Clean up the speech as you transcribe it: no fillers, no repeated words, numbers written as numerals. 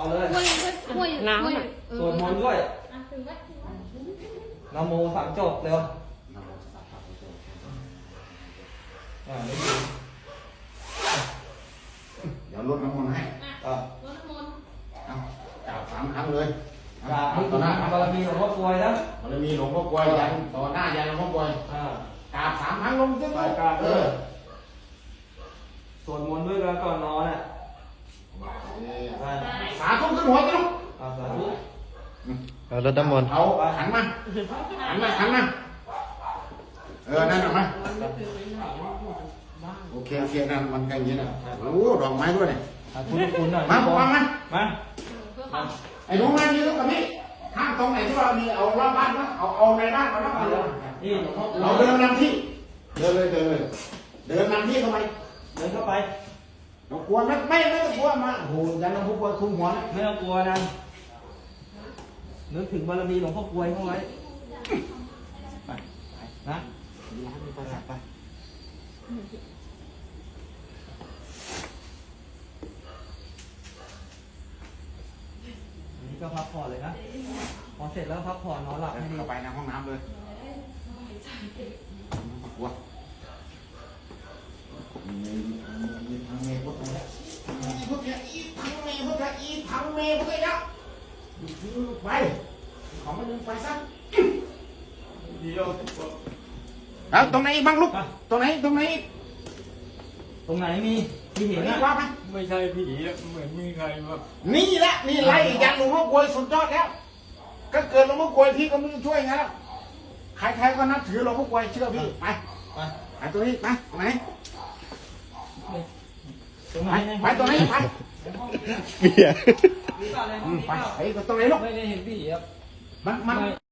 เอาเลยน้ำสวดมนต์ด้วยนะโมสามจบเร็วไม่ดีเดี๋ยวลดน้ำมนต์ให้รดน้ำมนต์กราบ3 ครั้งเลยกราบให้ต่อหน้าบารมีหลวงพ่อกลวยนะบารมีหลวงพ่อกลวยยันต่อหน้ายันหลวงพ่อกลวยกราบ3 ครั้งลงซึ่งกราบสวดมนต์ด้วยแล้วก่อนนอนอ่ะสาธุขึ้นหัวจ้ะสาธุเอารถน้ำมนต์เอาหันมานั่นออกมาโอเคนั่นมันกันอย่างนี้นะโอ้ดอกไม้ด้วยเนี่ยคุณหน่อยมาบอกมันมาไอ้หนูมานี่ลูกกับพี่ห้ามตรงไหนที่เรามีเอารอบบ้านนะเอาในบ้านมาแล้วนี่เราเดินนำที่เดินนำที่ทำไมเดินเข้าไปเรากลัวไม่ต้องกลัวมาโอ้โหยันหลวงพ่อกลวยคุมหัวนะไม่ต้องกลัวนะนึกถึงบารมีหลวงพ่อกลวยเข้าไว้ไปนะไปอันนี้ก็พักผ่อนเลยนะพอเสร็จแล้วพักผ่อนนอนหลับให้ดีเข้าไปในห้องน้ำเลยกลัวทั้งเมย์พุทธะพุทธะทั้งเมย์พุทธะทั้งเมย์พุทธะแล้วไปของมันดึงไปซะแล้วตรงไหนบ้างลูกตรงไหนมีที่เห็นนะว่าไหมไม่ใช่ผีเหมือนมีใครแบบนี่แหละนี่ไล่ยันหลวงพ่อกลวยสุดยอดแล้วก็เกิดหลวงพ่อกลวยพี่ก็ไม่ช่วยไงแล้วใครๆก็นับถือหลวงพ่อกลวยเชื่อพี่ไปตัวนี้ไปตรงไหนไปตรงไหนไปเบียร์ไปตรงไหนลูกไม่ได้เห็นผีครับมัน